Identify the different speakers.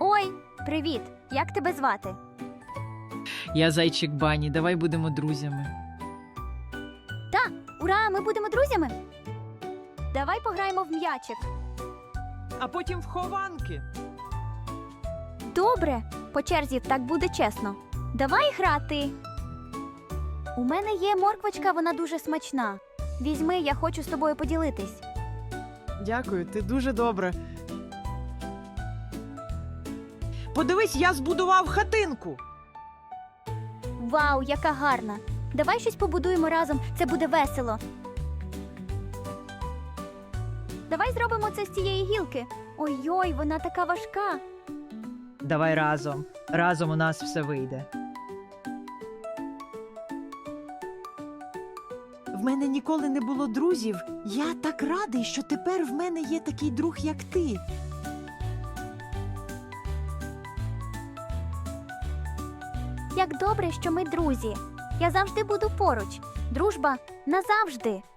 Speaker 1: Ой, привіт! Як тебе звати?
Speaker 2: Я зайчик Бані, давай будемо друзями.
Speaker 1: Ура, ми будемо друзями? Давай пограємо в м'ячик.
Speaker 2: А потім в хованки.
Speaker 1: Добре, по черзі так буде чесно. Давай грати. У мене є морквочка, вона дуже смачна. Візьми, я хочу з тобою поділитись.
Speaker 3: Дякую, ти дуже добре. Подивись, я збудував хатинку.
Speaker 1: Вау, яка гарна! Давай щось побудуємо разом, це буде весело. Давай зробимо це з цієї гілки. Ой-ой, вона така важка.
Speaker 2: Давай разом. Разом у нас все вийде.
Speaker 3: В мене ніколи не було друзів. Я так радий, що тепер в мене є такий друг, як ти.
Speaker 1: Як добре, що ми друзі. Я завжди буду поруч. Дружба назавжди.